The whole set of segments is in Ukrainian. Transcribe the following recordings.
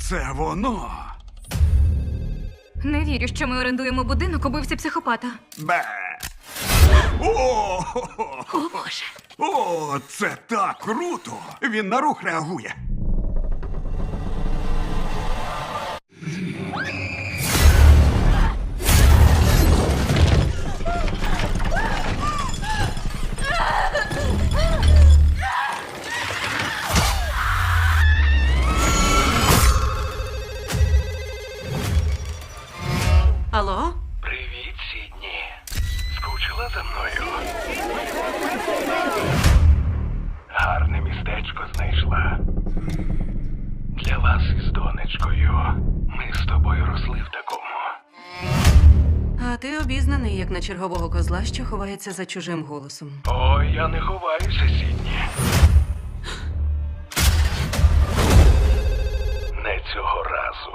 Це воно. Не вірю, що ми орендуємо будинок убивці психопата. Бе. О, О, Боже. О, це так круто! Він на рух реагує. Алло? Привіт, Сідні. Скучила за мною? Гарне містечко знайшла. Для вас із донечкою. Ми з тобою росли в такому. А ти обізнаний, як на чергового козла, що ховається за чужим голосом. Ой, я не ховаюся, Сідні. Не цього разу.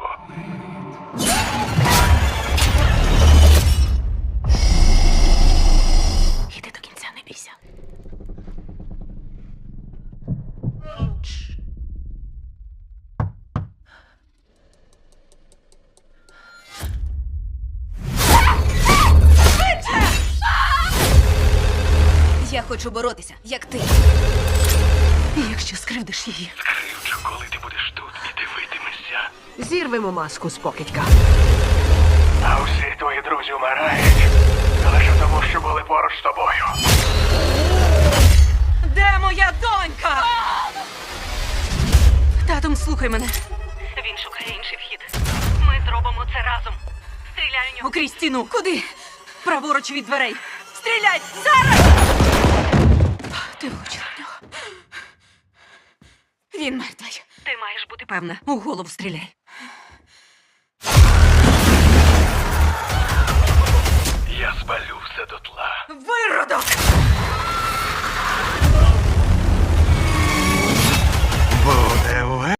Іди до кінця, не бійся. Я хочу боротися, як ти. Якщо скривдиш її. Скривчу, коли ти будеш тут і дивитимешся. Зірвемо маску з покидька. А всі твої друзі вмирають. Лише тому, що були поруч з тобою. Де моя донька? Татом, слухай мене. Він шукає інший вхід. Ми зробимо це разом. Стріляй у нього. Окрізь стіну. Куди? Праворуч від дверей. Стріляй! Зараз! Ти влучила в нього. Він мертвий. Ти маєш бути Певне, у голову стріляй. Я спалю все дотла. Виродок!